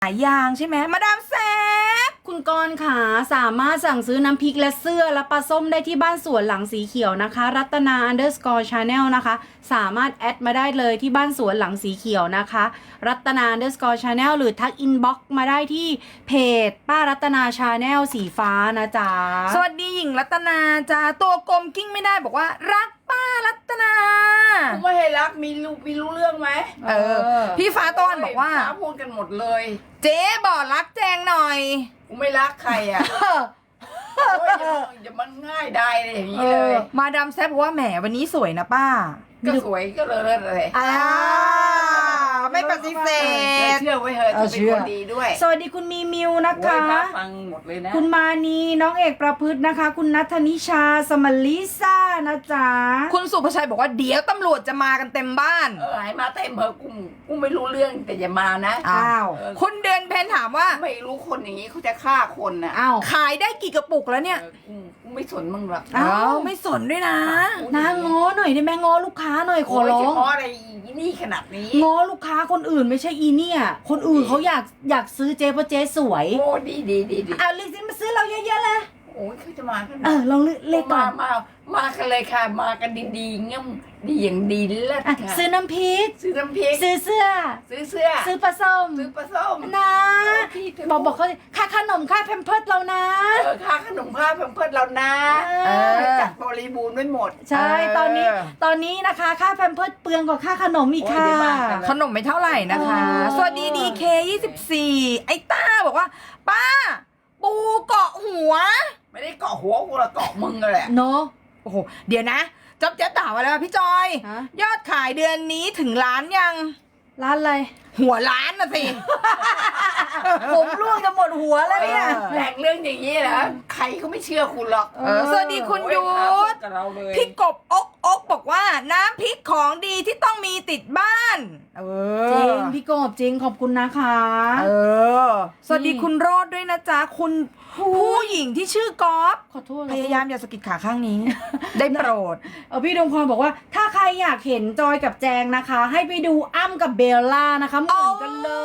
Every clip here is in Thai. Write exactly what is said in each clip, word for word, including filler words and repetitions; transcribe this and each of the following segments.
หายางใช่ไหมมาดามแซบคุณกรณ์ค่ะสามารถสั่งซื้อน้ำพริกและเสื้อและปลาส้มได้ที่บ้านสวนหลังสีเขียวนะคะรัตนา underscore channel นะคะสามารถแอดมาได้เลยที่บ้านสวนหลังสีเขียวนะคะรัตนา underscore channel หรือทักอินบ็อกซ์มาได้ที่เพจป้ารัตนา channel สีฟ้านะจ๊ะสวัสดีหญิงรัตนาจ้าตัวกลมกิ้งไม่ได้บอกว่ารักป้ารัตนากูไม่ให้รักมีรู้มีรู้เรื่องไหมเออพี่ฟ้าต้อนบอกว่าฟ้าพูดกันหมดเลยเจ๊บอกรักแจงหน่อยกูไม่รักใครอ่ะโอ้ยอย่าอย่ามันง่ายได้เลยอย่างนี้เลยมาดามแซบบอกว่าแหมวันนี้สวยนะป้าก็สวยก็เลยเลยอ่าไม่ปฏิเสธเชื่อไว้เถอะเออจะเป็นเชื่อคนดีด้วยสวัสดีคุณมีมิวนะโอ้ยคะพระฟังหมดเลยนะคุณมานีน้องเอกประพฤตินะคะ คุณนัทนิชาสมลิซ่านะจ๊ะคุณสุภชัยบอกว่าเดี๋ยวตำรวจจะมากันเต็มบ้านเออให้มาเต็มเถอะกูกูไม่รู้เรื่องแต่อย่ามานะอ้าวเออคุณเดือนเพนถามว่าไม่รู้คนอย่างนี้เขาจะฆ่าคนน่ะอ้าวขายได้กี่กระปุกแล้วเนี่ยเออกูกูไม่สนมึงหรอกอ้าวไม่สนด้วยนะนะง้อหน่อยได้ไหมง้อลูกค้าหน่อยขอร้องโยเฉพาะอะไรอีนี่ขนาดนี้ง้อลูกค้าคนอื่นไม่ใช่อีเนี่ยคนอื่นเขาอยากอยากซื้อเจ๊เพราะเจ๊สวยโอ้ดีดีดีดีเอาลิซิมาซื้อเราเยอะๆเลยโอ้ยเขาจะมากันเออลองเลือกเลขก่อนมามามากันเลยค่ะ มากันดีๆเงี้ยดีอย่างดีเลิศอ่ะค่ะซื้อน้ำพริกซื้อน้ำพริกซื้อเสื้อซื้อเสื้อซื้อปลาส้มซื้อปลาส้มนะพี่เธบอกบอกเขาสิค่าขนมค่าแพมเพิร์สเรานะเออค่าขนมค่าเพิ่มเพิ่มเรานะเออจัดบริบูรณ์ไว้หมดใช่เออตอนนี้ตอนนี้นะคะค่าแพมเพิร์สเปลืองกว่าค่าขนมอีกโอ้ยค่ะเดี๋ยวมากันแล้วขนมไม่เท่าไหร่นะคะเออสวัสดีดีเคยี่สิบสี่ไอ้ต้าบอกว่า ป้า ปูเกาะหัวไม่ได้เกาะหัวกูละเกาะมึงเลยแหละเนาะโอ้โหเดี๋ยวนะจ๊อบเจ๊ต่ามาแล้วพี่จอยฮะยอดขายเดือนนี้ถึงล้านยังร้านอะไรหัวล้านนะสิ ผมร่วงจะหมดหัวแล้วเนี่ยแหล่งเรื่องอย่างนี้นะใครก็ไม่เชื่อคุณหรอกเออสวัสดีคุณยุโอ้ทธพาพูดกับเราเลยพี่กบอกอกบอกว่าน้ำพริกของดีที่ต้องมีติดบ้าน เออจริงพี่กบจริงขอบคุณนะคะเออ สวัสดีคุณโรดด้วยนะจ๊ะ คุณผู้หญิงที่ชื่อกอฟขอโทษพยายามอย่าสะกิดขาข้างนี้ ได้โปรดเออพี่ดวงพรบอกว่า ถ้าใครอยากเห็นจอยกับแจงนะคะ ให้ไปดูอ้ำกับเบลล่านะคะเหมือนกันเลย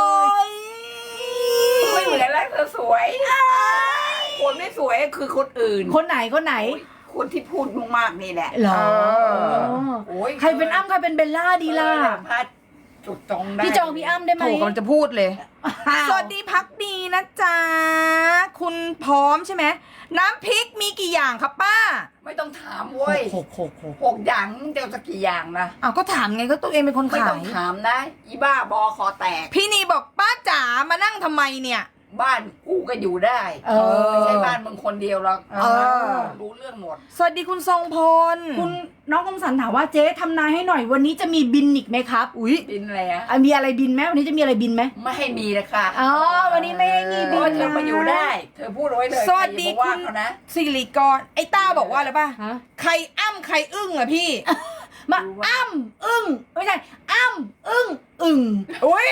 ไม่เหมือนแล้วเธอสวย คนไม่สวยคือคนอื่นคนไหนคนไหนโอ้ยคนที่พูดมากๆนี่แหละเหรอเออโอ้ยใครเป็นอ้ำใครเป็นเบลล่าดีล่ะเออพาจุดตรงได้พี่จองพี่อ้ำได้ไหมถูกกำลังจะพูดเลยอ้าวสวัสดีพักดีนะจ๊ะ คุณพร้อมใช่ไหม น้ำพริกมีกี่อย่างครับป้าไม่ต้องถามเว้ยหกหกหกหกอย่างมึงจะเอาสักกี่อย่างนะอ้าวก็ถามไงก็ตัวเองเป็นคนไม่ขาต้อย งถามนะอีบ้าบอคอแตกพี่นีบอกป้าจ๋ามานั่งทำไมเนี่ยบ้านกูก็อยู่ได้เออไม่ใช่บ้านมึงคนเดียวหรอกเออรู้เรื่องหมดสวัสดีคุณทรงพลคุณน้องคมสันถามว่าเจ๊ทำนายให้หน่อยวันนี้จะมีบินอีกไหมครับอุ๊ยบินอะไรอะอ่ะมีอะไรบินไหมวันนี้จะมีอะไรบินไหมไม่ให้มีนะคะอ๋อวันนี้ไม่ให้มีเพบิราะนว่าเธอนะมาอยู่ได้ เธอพูดเอาไว้เลยสวัสดีใครคุอย่าณมาว่าเขานะสิริกรไอ้ต้าบอกว่าอะไรป่ะฮะใครอ้ำใครอึ้งอะพี่มาอ้ำอึ้งไม่ใช่อ้ำอึ้งอึ่งอุ้ย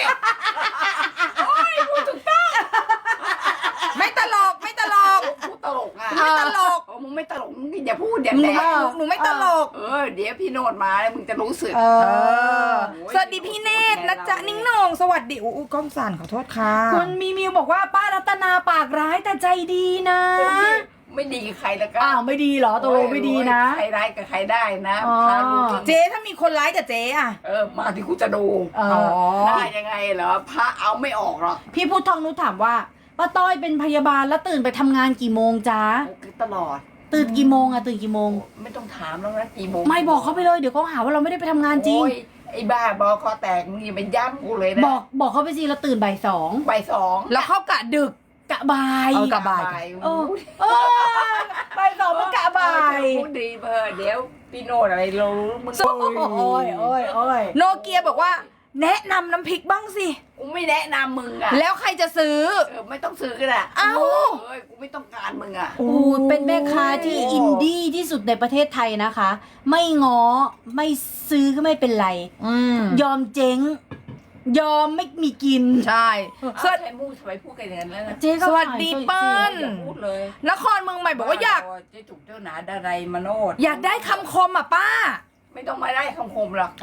ไม่ตลกไม่ตลกพูดตลกอ่ะไม่ตลกโอ้มึงไม่ตลกมึงอย่าพูดอย่าหนูแดไม่กหนูไม่ตลกเออเดี๋ยวพี่โนดมาแล้วมึงจะรู้สึกเอเอออ สวัสดีพี่เนตรนะจ๊ะนิ่งนองสวัสดีอู้กล้องสั่นขอโทษค่ะคุณมีมิวบอกว่าป้ารัตนาปากร้ายแต่ใจดีนะไม่ดีกับใครแล้วก็อ้าวไม่ดีเหรอตกลงไม่ดีนะใครร้ายกับใครได้นะอ๋อพาลูกเจ๊ถ้ามีคนร้ายกับเจ๊อะเออมาที่กูจะดูเออได้ยังไงเหรอพระเอาไม่ออกหรอกพี่พุทธทองนุชถามว่าป้าต้อยเป็นพยาบาลแล้วตื่นไปทำงานกี่โมงจ๊ะโอ้ตลอดตื่นกี่โมงอะตื่นกี่โมงไม่ต้องถามแล้วนะกี่โมงไม่บอกเขาไปเลยเดี๋ยวเขาหาว่าเราไม่ได้ไปทำงานจริงโอ้ยไอ้บ้าบอคอแตกมึงอย่าไปย้ำกูเลยนะบอกบอกเขาไปสิเราตื่นบ่ายสองบ่ายสองแล้วเข้ากะดึกกะบ่ายเอากะบ่ายเออเออบ่ายสองมันกะบ่ายพูดดีเพอเดี๋ยวพี่โนดอะไรเรารู้มึงโอ้ยโอ้ยโอ้ยโนเกียบอกว่า แนะนำน้ำพริกบ้างสิกูไม่แนะนำมึงอ่ะแล้วใครจะซื้อเออไม่ต้องซื้อก็ได้เอ้าเอ้ยกูไม่ต้องการมึงอ่ะโอ้ยเป็นแม่ค้าที่อินดี้ที่สุดในประเทศไทยนะคะ ไม่ง้อไม่ซื้อก็ไม่เป็นไรอืมยอมเจ๊ง ยอมไม่มีกินใช่สวัสดีมูทำไมพูดกันอย่างนั้นแล้วนะเจ๊ก็สวัสดีขายเปิ้ลอย่าพูดเลยนครเมืองใหม่บอกว่าอยากเจ๊จุกเจ้าหนาดารายมโนดอยากได้คำคมอ่ะป้าไม่ต้องมาได้คำคมหรอกอ้าว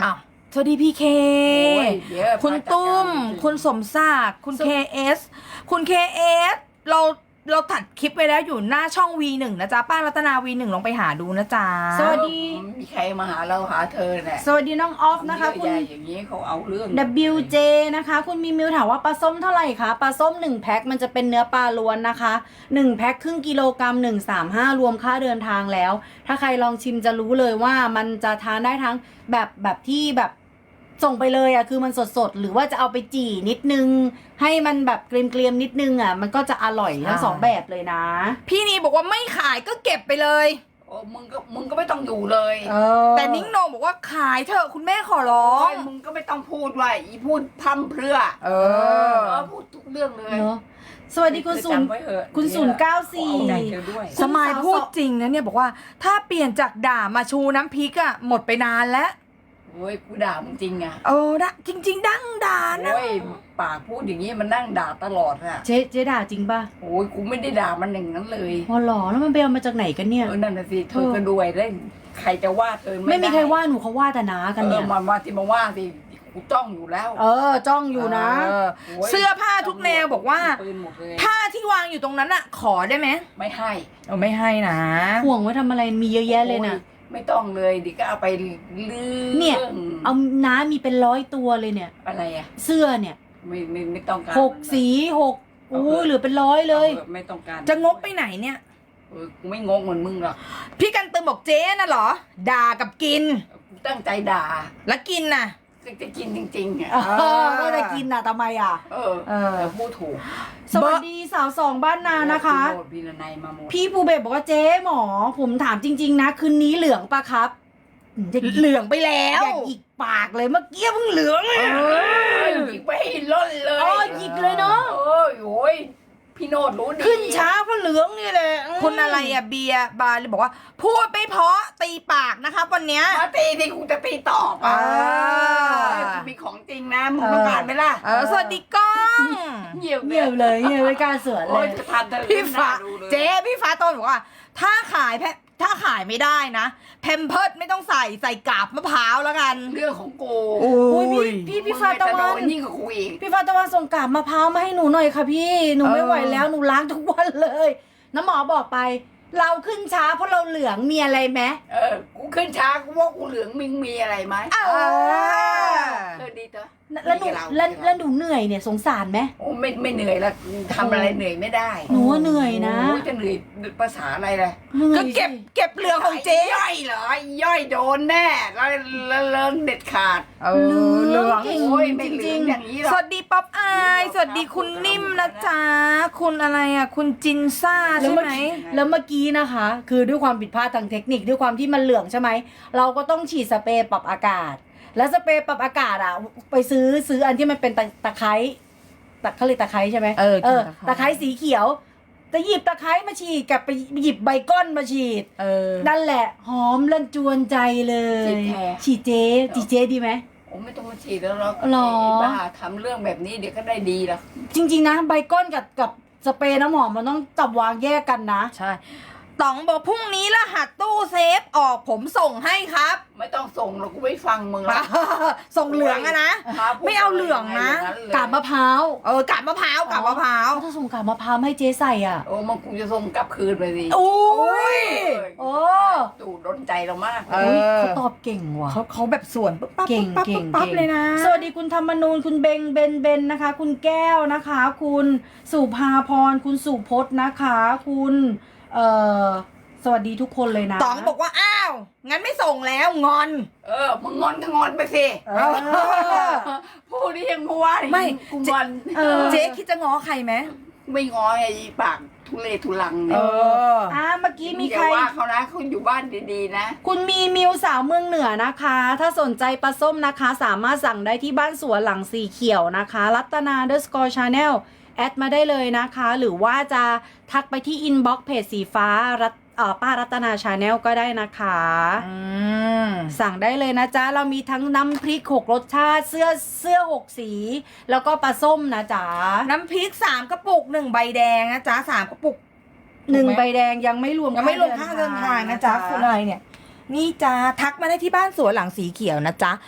สวัสดีพี่เคโอ้ยเดี๋ยวคุณตุ้มพระจัดการคุณสมศักดิ์คุณเคเอสคุณเคเอสเราเราตัดคลิปไปแล้วอยู่หน้าช่อง วี หนึ่ง นะจ๊ะป้ารัตนา วี หนึ่ง ลองไปหาดูนะจ๊ะสวัสดีมีใครมาหาเราหาเธอเนี่ยสวัสดีน้องออฟนะคะเยคุณใหญ่อย่างนี้เขาเอาเรื่องดับเบิลยู เจ นะคะ คุณมีมิวถามว่าปลาส้มเท่าไหร่คะปลาส้มหนึ่งแพ็คมันจะเป็นเนื้อปลาล้วนนะคะหนึ่งแพ็คครึ่งกิโลกรัมหนึ่งสามห้ารวมค่าเดินทางแล้ว ถ้าใครลองชิมจะรู้เลยว่ามันจะทานได้ทั้งแบบแบบที่แบบส่งไปเลยอะคือมันสดๆหรือว่าจะเอาไปจี่นิดนึง ให้มันแบบเกรียมๆนิดนึงอะมันก็จะอร่อยทั้งสองแบบเลยนะพี่นีบอกว่าไม่ขายก็เก็บไปเลยโอ้มึงก็มึงก็ไม่ต้องอยู่เลยเออแต่นิ้งโหนงบอกว่าขายเถอะคุณแม่ขอร้อโอ้งยมึงก็ไม่ต้องพูดว่าอีพูดพร่ำเพรื่อเอเอออพูดทุกเรื่องเลยเนอะสวัสดีคุณศูนย์จำไว้เถอะคุณศูนย์เก้าสี่เอาใจเธอด้วยสมายพูดจริงนะเนี่ยบอกว่าถ้าเปลี่ยนจากด่ามาชูน้ำพริกอะหมดไปนานแล้วโอ้ยกูด่ามึงจริงอ่ะเออนะจริง ๆ ดั้งด่านะโอ้ยปากพูดอย่างนี้มันนั่งด่าตลอดอ่ะเจ๊เจ๊ด่าจริงป่ะโอ้ยกูไม่ได้ด่ามันอย่างนั้นเลยพอหรอแล้วมันไปเอามาจากไหนกันเนี่ยเออนั่นน่ะสิเธอก็ด้วยได้ใครจะว่าเธอไม่มีด้ใครว่าหนูเขาว่าแต่น้ากันเอเนี่อย มาว่าที่มาว่าสิกูจ้องอยู่แล้วเออ จ้องอยู่นะเออโยเสื้อผ้าทุกแนวบอกว่าปืนหมดเลยผ้าที่วางอยู่ตรงนั้นอะขอได้ไหมไม่ให้เออไม่ให้นะห่วงไว้ทำอะไรมีเยอะแยะเลยนะโอ้ไม่ต้องเลยดิก็เอาไปลือเนี่ย เอาน้ามีเป็นร้อยตัวเลยเนี่ยอะไรอ่ะเสื้อเนี่ยไม่ไม่ไม่ต้องการหกสีหกโอ้ยเหลือเป็นร้อยเลยออไม่ต้องการจะงกไปไหนเนี่ยเออกูไม่งงเหมือนมึงหรอกพี่กันตึมบอกเจ๊น่ะเหรอ ด่ากับกินกูตั้งใจด่าแล้วกินน่ะก็จะกินจริงๆอ่ะเออก็จะกินน่ะทำไมอ่ะเออเออแต่พูดถูกสวัสดีสาวสองบ้านนานะคะพี่โรดพี่นายมาหมดพี่ภูเบศบอกว่าเจ๊หมอ ผมถามจริง ๆ นะ คืนนี้เหลืองปะครับอย่าเหลืองไปแล้วอย่าหยิกปากเลยเมื่อกี้เพิ่งเหลืองเลยเออหยิกไปให้ล้นเลยอ๋อหยิกเลยเนาะเออโอ้ยพี่โนดรู้ดีขึ้นช้าเพราะเหลืองนี่แหละคุณอะไรอะเบียร์บาร์เลยบอกว่า พูดไม่เพราะตีปากนะคะวันเนี้ยมาตีที่กูจะตีตอบอ่าเออกูมีของจริงนะมึงต้องการไหมล่ะเออสวัสดีกล้องเงียบเงียบเลยเงียบไม่กล้าสวนเลโอ้ยยจะทันเธอพี่ฟ้าดูเลยเจ๊พี่ฟ้าโตนบอกว่า ถ้าขายแพถ้าขายไม่ได้นะแพมเพิร์ดไม่ต้องใส่ใส่กาบมะพร้าวแล้วกันเรื่องของกูโอ้โอ้ยยพี่พี่พี่ฟ้าตะมึงวันไม่โดยิ่งกับกูอีกพี่ฟ้าตะวันส่งกาบมะพร้าวมาให้หนูหน่อยค่ะพี่หนูไม่เออไหวแล้วหนูล้างทุกวันเลย น้ำหมอบอกไป เราขึ้นช้าเพราะเราเหลืองมีอะไรไหมเออ กูขึ้นช้ากูว่ากูเหลืองมึงมีอะไรไหมเออเออดีเถอะแล้วหนูดีกับเราแล้วดีกับเราแล้วหนูเหนื่อยเนี่ยสงสารไหมโอ้ไม่ไม่เหนื่อยละทำอะไรเหนื่อยไม่ได้หนูว่าเหนื่อยนะโอ้ยจะเหนื่อยภาษาอะไรล่ะเหนื่อยก็เก็บสิเก็บเหลืองของเจ๊ย่อยเหรอย่อยโดนแน่แล้วแล้วเลิงเด็ดขาดเออเหลืองเก่งโอ้ยไม่จเหลืริองงอย่างนี้หรสอกวัสดีป๊อปอายสวัสดีคุณนิ่มนะจ๊ะ คุณอะไรอ่ะ คุณจินซ่าๆแล้วใช่เมื่อไหมกี้แล้วเมื่อกี้นะคะ คือด้วยความผิดพลาดทางเทคนิคด้วยความที่มันเหลืองใช่ไหมเราก็ต้องฉีดสเปรย์ปรับอากาศ แล้วสเปรย์ปรับอากาศอ่ะ ไปซื้อซื้ออันที่มันเป็นตะตะไคร้ตะเขาเรียกตะไคร้ใช่ไหมเออเออตะไคร้ตะไคร้สีเขียวจะหยิบตะไคร้มาฉีดกับไปหยิบใบก้อนมาฉีดเออนั่นแหละ หอมลันจวนใจเลยฉีดแทนฉีดเจ๊ฉีดเจ๊ดีไหมโอ้ไม่ต้องมาฉีดแล้วหรอกหรอไบ้าทำเรื่องแบบนี้เดี๋ยวก็ได้ดีหรอกจริงๆนะใบก้อนกับกับสเปรย์น้ำหอมมันต้องจับวางแยกกันนะใช่ต๋องบอกพรุ่งนี้รหัสตู้เซฟออกผมส่งให้ครับไม่ต้องส่งหรอกกูไม่ฟังมึงหรอกส่งเหลืองอะนะหาพูดไม่เอาเหลืองนะย่เลยกาบมะพร้าวเออกาบมะพร้าวกาบมะพร้าวถ้าส่งกาบมะพร้าวให้เจ๊ใส่อ่ะโอ้มันกูจะส่งกลับคืนไปสิโอ้ยโอ้ดูโดนใจเรามากเอออุ๊ยเขาตอบเก่งว่ะเขาเขาแบบส่วนปุ๊บปั๊บเก่งปุ๊บปั๊บเก่งปุ๊บปั๊บเก่งเลยนะสวัสดีคุณธรรมนูนคุณเบงเบนเบนนะคะ คุณแก้วนะคะ คุณสุภาพรคุณสุพจน์นะคะ คุณเอ่อสวัสดีทุกคนเลยนะต๋องบอกว่าอ้าวงั้นไม่ส่งแล้วงอนเออมึงงอนก็งอนไปสิเออพูดได้ยังพูดว่าไม่กูงอนเออเจ๊คิดจะง้อใครไหมไม่งอไอ้ปากทุเลทุลังเอเนี่ยออ่ะเมื่อกี้มีอย่าใครว่าเขานะเขาอยู่บ้านดีๆนะคุณมีมิวสาวเมืองเหนือนะคะ ถ้าสนใจปลาส้มนะคะ สามารถสั่งได้ที่บ้านสวนหลังสีเขียวนะคะ รัตนา underscore channel แอดมาได้เลยนะคะ หรือว่าจะทักไปที่อินบ็อกซ์เพจสีฟ้ารัตเอ่อป้ารัตนาชาแนลก็ได้นะคะอืมสั่งได้เลยนะจ๊ะ เรามีทั้งน้ำพริกหกรสชาติ เสื้อเสื้อหกสี แล้วก็ปลาส้มนะจ๊ะน้ำพริกสามกระปุกหนึ่งใบแดงนะจ๊ะสามกระปุกหนึ่งถูกไหมใบแดงยังไม่รวมยังไม่รวมค่าเดินทางนะจ๊ะคุณอะไรเนี่ย นี่จ้าทักมาได้ที่บ้านสวนหลังสีเขียวนะจ๊ะ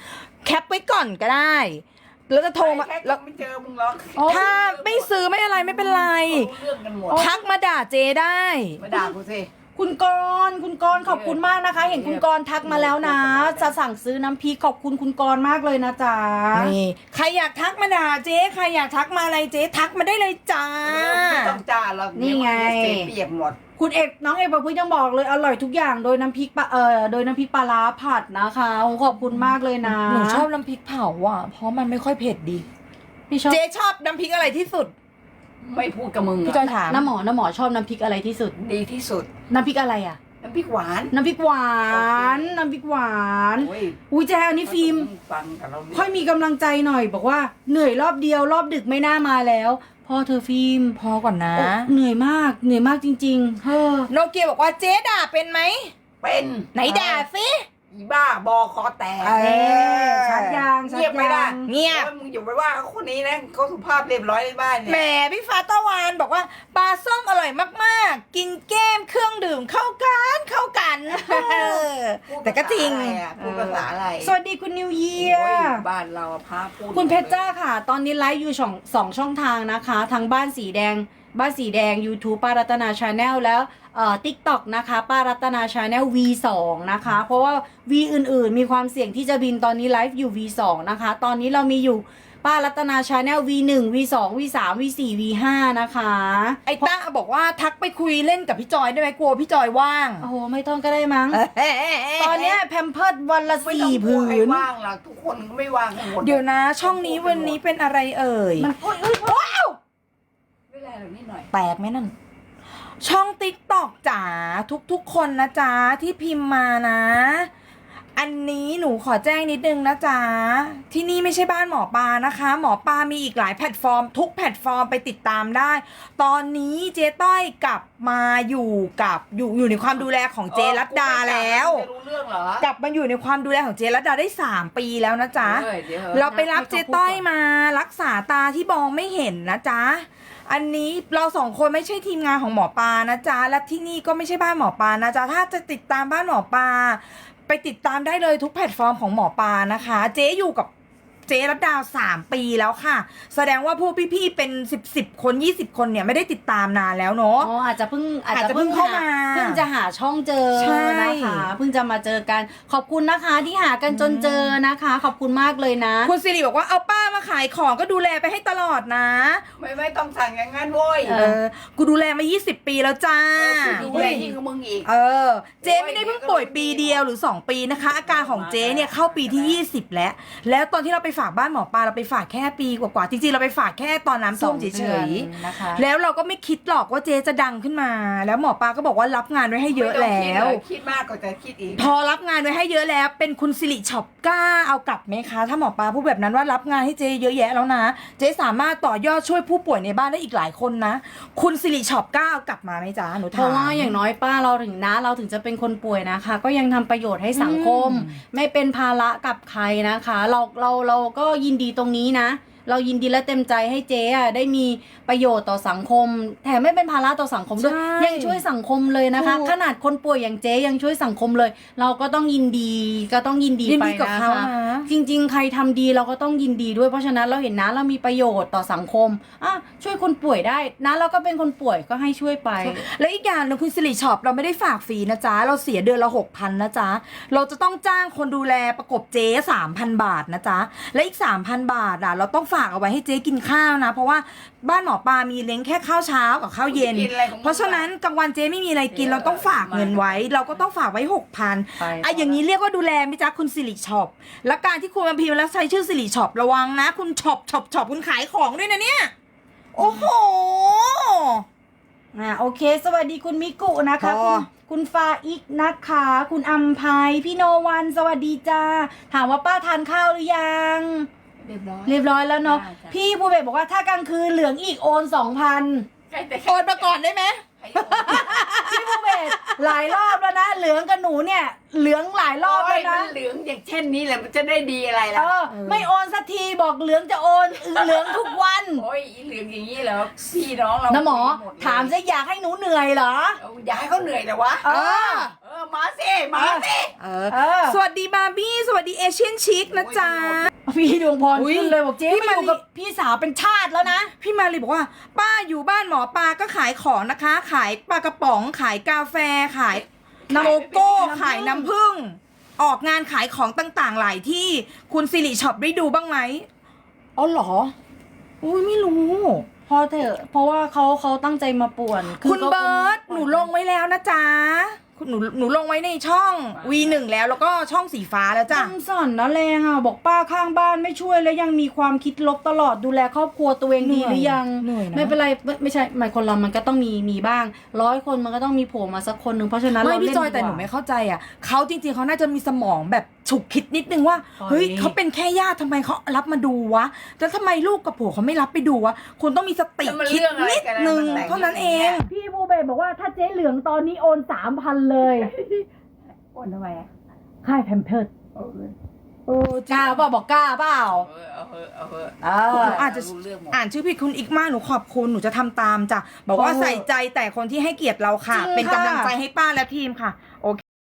แคปไว้ก่อนก็ได้ แล้วจะโทรมาแค่แล้วไม่เจอมึงหรอกถ้าไม่ซื้อไม่อะไรไม่เป็นไรรู้เรื่องกันหมดทักมาด่าเจได้มาด่ากูสิคุณกรณ์คุณกรณ์ขอบคุณมากนะคะ เห็นคุณกรณ์ทักมาแล้วนะ จะสั่งซื้อน้ำพริกขอบคุณคุณกรณ์มากเลยนะจ๊ะนี่ใครอยากทักมาด่าเจ๊ใครอยากทักมาอะไรเจ๊ทักมาได้เลยจ้าไม่ต้องจ้าหรอกนี่ไงเสียเปรียบหมดคุณเอกน้องเอกประพฤติยังบอกเลยอร่อยทุกอย่างโดยน้ำพริกปลาเอ่อโดยน้ำพริกปลาร้าผัดนะคะโอ้ขอบคุณมากเลยนะหนูชอบน้ำพริกเผาอ่ะเพราะมันไม่ค่อยเผ็ดดีพี่ชอบเจ๊ชอบน้ำพริกอะไรที่สุดไม่พูดกับมึงพี่จอยถามน้ำหมอน้ำหมอชอบน้ำพริกอะไรที่สุดดีที่สุดน้ำพริกอะไรอ่ะน้ำพริกหวานน้ำพริกหวานน้ำพริกหวานโอ้ยอุ้ยแจอันนี้ฟิล์มฟังกับเราค่อยมีกำลังใจหน่อย บอกว่าเหนื่อยรอบเดียวรอบดึกไม่น่ามาแล้วพอเธอฟิล์มพอก่อนนะโอ้เหนื่อยมากเหนื่อยมากจริงๆเฮ้อโนเกียบอกว่าเจ๊ด่าเป็นไหมเป็นไหนด่าสิอีบ้าบอคอแตกเออเอ๊ะชัดยางชัดเงียบไปยาละงเงียบโอ้มึงอย่าไปว่าเขาคนนี้นะเขาสุภาพเรียบร้อยในบ้านแหมเนี่ยพี่ฟ้าตะวันบอกว่าปลาส้มอร่อยมากๆ กินแก้มเครื่องดื่มเข้ากันเข้ากันเออพูดแต่ก็จริงภาษาอะไรอะพูดภาษาอะไรสวัสดีคุณนิวเยียโอ้ยร์บ้านเราอะพาพูดคุณเพชรจ้าค่ะ ตอนนี้ไลฟ์อยู่สองสองช่องทางนะคะทั้งบ้านสีแดง บ้านสีแดง YouTube ป้ารัตนาชาแนลแล้วเอ่อ TikTok นะคะป้ารัตนาชาแนล วี สอง นะคะ เพราะว่า V อื่นๆ มีความเสี่ยงที่จะบินตอนนี้ไลฟ์อยู่ วี สอง นะคะ ตอนนี้เรามีอยู่ป้ารัตนาชาแนล วี หนึ่ง วี สอง วี สาม วี สี่ วี ห้า นะคะไอ้ต้าบอกว่าทักไปคุยเล่นกับพี่จอยได้ไหมกลัวพี่จอยว่างโอ้โห ไม่ต้องก็ได้มั้ง ตอนเนี้ยแพมเพิร์ดวันละไม่ต้อสี่งพูผืดให้นว่างหรอกทุกคนก็ไม่ว่างกันหมดเดี๋ยวนะ ช่องนี้วันนี้เป็นอะไรเอ่ยมันอุ๊ยอุ๊ยอุ๊ยไม่ได้หรอกนิดหน่อยแตกไหมนั่น ช่องติ๊กตอกจ๋าทุกๆคนนะจ๊ะที่พิมพ์มานะ อันนี้หนูขอแจ้งนิดนึงนะจ๊ะที่นี่ไม่ใช่บ้านหมอปลานะคะ หมอปลามีอีกหลายแพลตฟอร์ม ทุกแพลตฟอร์มไปติดตามได้ ตอนนี้เจ๊ต้อยกลับมาอยู่กับอยู่อยู่ในความดูแลของเจรัตดาแล้วจะรู้เรื่องเหรอกลับมาอยู่ในความดูแลของเจรัตดาได้สามปีแล้วนะจ๊ะเออเดี๋ยวเราไปรับเจ๊ต้อยมารักษาตาที่มองไม่เห็นนะจ๊ะ อันนี้เราสองคนไม่ใช่ทีมงานของหมอปลานะจ๊ะ และที่นี่ก็ไม่ใช่บ้านหมอปลานะจ๊ะ ถ้าจะติดตามบ้านหมอปลาไปติดตามได้เลยทุกแพลตฟอร์มของหมอปลานะคะ เจ๊อยู่กับเจ๊รัตดาวสามปีแล้วค่ะ แสดงว่าพวกพี่ๆเป็นสิบสิบคนยี่สิบคนเนี่ยไม่ได้ติดตามนานแล้วเนาะอ๋ออาจจะเพิ่งอาจอาจจะจะเพิ่เพิ่งงเข้าหามาเพิ่งจะหาช่องเจอใช่นะคะเพิ่งจะมาเจอกันขอบคุณนะคะที่หากันจนเจอนะคะ ขอบคุณมากเลยนะคุณสิริบอกว่าเอาป้ามาขายของก็ดูแลไปให้ตลอดนะไม่ไม่ต้องสั่งอย่างนั้นโว้ยเอเออ กูดูแลมายี่สิบปีแล้วจ้ากูดูแลยิ่งกว่ามึงอีกเออ เจ๊ไม่ได้เพิ่งป่วยปีเดียวหรือสองปีนะคะ อาการของเจ๊เนี่ยเข้าปีที่ยี่สิบแล้ว แล้วตอนที่เราไปฝากบ้านหมอปลาเราไปฝากแค่ปีกว่าๆจริงๆเราไปฝากแค่ตอนน้ำท่วมเฉสองเดือนยนะคะๆแล้วเราก็ไม่คิดหรอกว่าเจ๊จะดังขึ้นมา แล้วหมอปลาก็บอกว่ารับงานไว้ให้เยอะแล้วไม่ต้องคิดเลยคิดมากก็จะคิดอีกพอรับงานไว้ให้เยอะแล้ว เป็นคุณสิริช็อปกล้าเอากลับไหมคะ ถ้าหมอปลาพูดแบบนั้นว่ารับงานให้เจ๊เยอะแยะแล้วนะ เจ๊สามารถต่อยอดช่วยผู้ป่วยในบ้านได้อีกหลายคนนะ คุณสิริช็อปกล้าเอากลับมาไหมจ๊ะหนูเพถามราะว่าอย่างน้อยป้าเราถึงนะเราถึงจะเป็นคนป่วยนะคะ ก็ยังทำประโยชน์ให้สังคมอืมไม่เป็นภาระกับใครนะคะ เราเราเราก็ยินดีตรงนี้นะ เรายินดีและเต็มใจให้เจ๊อะได้มีประโยชน์ต่อสังคม แถมไม่เป็นภาระต่อสังคมด้วยใช่ยังช่วยสังคมเลยนะคะถูกขนาดคนป่วยอย่างเจ๊ยังช่วยสังคมเลย เราก็ต้องยินดีก็ต้องยินดียินไปดีกับนะเขาคะนะจริงๆ ใครทำดีเราก็ต้องยินดีด้วยเพราะฉะนั้นเราเห็นนะเรามีประโยชน์ต่อสังคมอ่ะช่วยคนป่วยได้นะเราก็เป็นคนป่วยก็ให้ช่วยไปแล้วอีกอย่างหนึงคุณสิริช็อปเราไม่ได้ฝากฟรีนะจ๊ะ เราเสียเดือนละหกพันนะจ๊ะ เราจะต้องจ้างคนดูแลประกบเจ๊สามพันบาทนะจ๊ะ และอีกสามพันบาทอ่ะเราต้องฝากเอาไว้ให้เจ๊กินข้าวนะ เพราะว่าบ้านหมอปลามีเลี้ยงแค่ข้าวเช้ากับข้าวเย็นกินอะไรของมึงเพราะฉะนั้นกลางวันเจ๊ไม่มีอะไรกินเออเราต้องฝากเงินไว้ เราก็ต้องฝากไว้หกพันไปอ่ะอย่างนี้เรียกว่าดูแลไหมจ๊ะคุณสิริช็อปและการที่คุณมาพิมพ์แล้วใช้ชื่อสิริช็อประวังนะ คุณช็อปช็อปช็อปคุณขายของด้วยนะเนี่ยโอ้โหอ่าโอเค สวัสดีคุณมิกุนะคะพอคุณคุณฟาอิกนะคะ คุณอัมภัยพี่โนวันสวัสดีจ้าถามว่าป้าทานข้าวหรือยังเรียบร้อยเรียบร้อยแล้วเนาะได้จ้ะพี่ภูเบศบอกว่าถ้ากลางคืนเหลืองอีกโอนสองพันใกล้แต่โอนมาก่อนได้ไหมให้โอนพี่ภูเบหลายรอบแล้วนะ เหลืองกับหนูเนี่ย เหลืองหลายรอบโอ้แล้ยว มันะนเหลืองอย่างเช่นนี้แหละมันจะได้ดีอะไรเอล่ะอ ไม่โอนสักทีบอกเหลืองจะโอนเหลืองทุกวันโอ้ยอีเหลืองอย่างนี้เหรอพี่น้องเรานะหมอดเลยถามจะอยากให้หนูเหนื่อยเหรอเอาอย่าให้เขาเหนื่อยแต่วะเออเออมาสิมาสิเออเออสวัสดีบาร์บี้สวัสดีเอเชียนชิคนะจ๊ะพี่ดวงพรอุ๊ยขึ้นเลยบอกเจ๊พี่มาอยู่มาริกับพี่สาวเป็นชาติแล้วนะพี่มาลีบอกว่า ป้าอยู่บ้านหมอปลาก็ขายของนะคะ ขายปลากระป๋อง ขายกาแฟ ขายโกโก้ ขายน้ำผึ้ง ออกงานขายของต่างๆ หลายที่คุณสิริช็อปได้ดูบ้างไหมอ๋อเหรออุ้ยไม่รู้พอเถอะเพราะว่าเขาเขาตั้งใจมาป่วนคุณก็เบิร์ตหนูลงไว้แล้วนะจ๊ะคุณหนูหนูลงไว้ในช่อง วี หนึ่ง แล้วแล้วก็ช่องสีฟ้าแล้วจ้ะจังสอนนะแรงอ่ะบอกป้าข้างบ้านไม่ช่วยแล้วยังมีความคิดลบตลอดดูแลครอบครัวตัวเองดีหรือยังเหนื่อยนะไม่เป็นไรไม่ไม่ใช่หมายคนเรามันก็ต้องมีมีบ้างร้อยคนมันก็ต้องมีโผล่มาสักคนหนึ่งเพราะฉะนั้นไม่เราพี่เล่นจอยแต่หนูดีกว่าไม่เข้าใจอ่ะเขาจริงๆเขาน่าจะมีสมองแบบฉุกคิดนิดนึงว่าปล่อยเฮ้ยเขาเป็นแค่ญาติทำไมเขารับมาดูวะแล้วทำไมลูกกับผัวเขาไม่รับไปดูวะคุณต้องมีสติแล้วมันคิดเรื่องอะไรนิดกันนึงมันแต่งเท่านั้นเองพี่บูเบบอกว่าถ้าเจ๊เหลืองตอนนี้โอนสามพันเลยโอนทำไมอะค่ายแพมเพิร์ดเอาเลยโอ้กล้าเปล่าบอกกล้าเปล่าเออเอาเถอะเอาเถอะเอหอนูอาจจะรู้เรื่องหมดอ่านชื่อผิดคุณอีกมากหนูขอบคุณหนูจะทำตามจ้ะบอกว่าโอ้ใส่ใจแต่คนที่ให้เกียรติเราค่ะจริงเป็นค่ะกำลังใจให้ป้าและทีมค่ะ โอเค